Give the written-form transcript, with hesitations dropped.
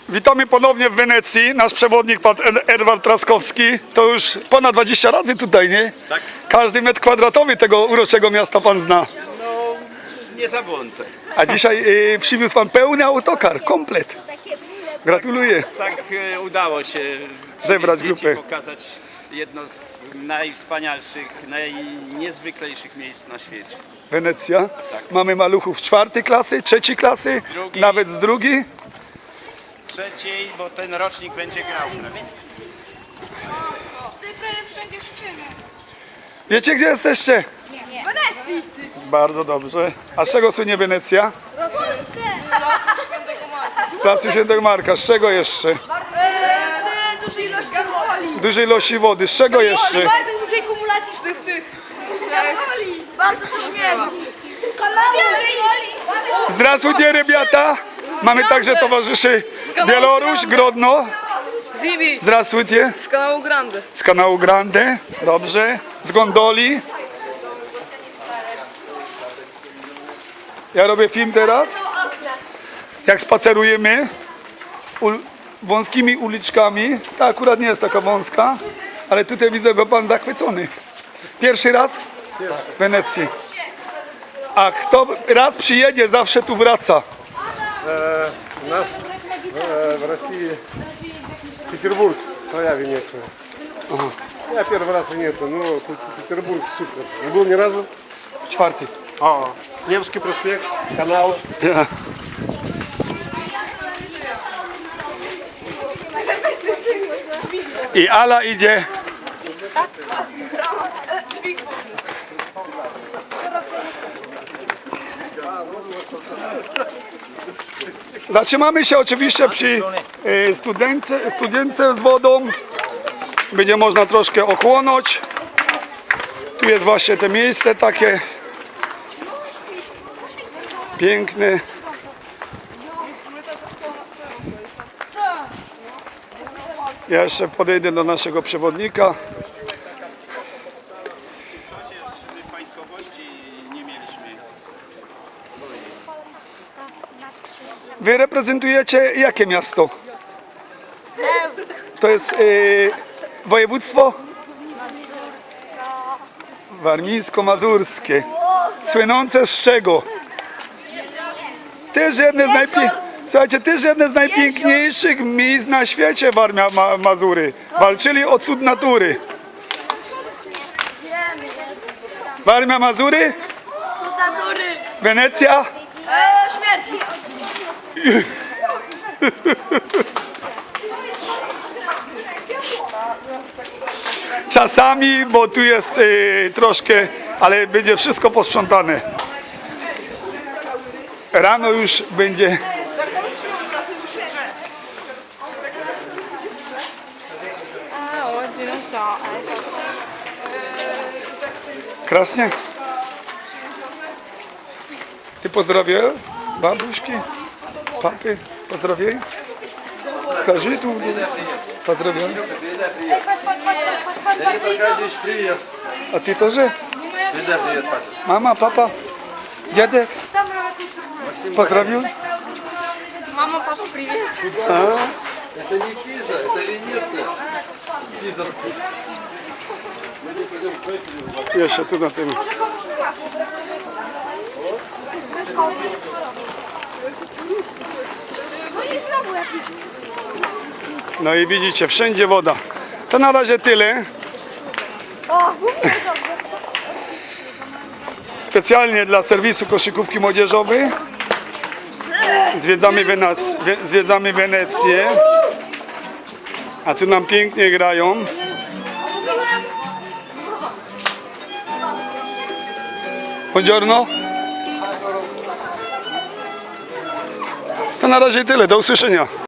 Witamy ponownie w Wenecji. Nasz przewodnik, pan Edward Traskowski. To już ponad 20 razy tutaj, nie? Tak. Każdy metr kwadratowy tego uroczego miasta pan zna. No, nie zabłądzę. A dzisiaj przywiózł pan pełny autokar, komplet. Gratuluję. Tak udało się Zebrać przywieźć grupę. i pokazać jedno z najwspanialszych, najniezwyklejszych miejsc na świecie. Wenecja. Mamy maluchów 4. klasy, 3. klasy, Drugi. nawet z 2. Trzeciej, bo ten rocznik będzie grał. Tutaj prawie wszędzie szczyny. Wiecie, gdzie jesteście? Nie. Wenecji! Bardzo dobrze. A z czego słynie Wenecja? Polsce! Z placu Świętego Marka. Z czego jeszcze? Z dużej ilości woli. Dużej ilości wody. Z czego jeszcze? Bardzo dużej kumulacji z tych. Bardzo to śmiechu. Z kanału woli. Здравствуйте, ребята! Mamy także towarzyszy Białoruś, Grodno. Zibi, Здравствуйте. z kanału Grande. Z kanału Grande. Dobrze. Z gondoli. Ja robię film teraz. Jak spacerujemy wąskimi uliczkami. Ta akurat nie jest taka wąska, ale tutaj widzę go pan zachwycony. Pierwszy raz w Wenecji. A kto raz przyjedzie, zawsze tu wraca. У нас в России Петербург, своя Венеция. Я первый раз в Венеции, но тут Петербург супер. Не был ни разу. 4. Невский проспект, канал. Ja. I Ala idzie. Zatrzymamy się oczywiście przy studience z wodą. Będzie można troszkę ochłonąć. Tu jest właśnie to miejsce takie piękne. Ja jeszcze podejdę do naszego przewodnika. W państwowości nie mieliśmy. Wy reprezentujecie jakie miasto? To jest województwo warmińsko-mazurskie. Słynące z czego? Też jedne z Słuchajcie, też jedne z najpiękniejszych miejsc na świecie Warmia-Mazury. Walczyli o cud natury. Warmia-Mazury, Cud natury. Wenecja. Śmierci. Czasami, bo tu jest troszkę, ale będzie wszystko posprzątane. Rano już będzie. Krasnie. Ty pozdrawiaj babuszki, papy, pozdrawiaj. Скажи tu, pozdrawiam. A ty тоже? Mama, papa, dziadek, pozdrawiam. Mama, papa, привет. Это не Пиза, это Венеция. Пиза. Jeszcze tu na tym. No i widzicie, wszędzie woda. To na razie tyle. Specjalnie dla serwisu koszykówki młodzieżowej zwiedzamy Wenecję. A tu nam pięknie grają. Buongiorno. To na razie tyle. Do usłyszenia.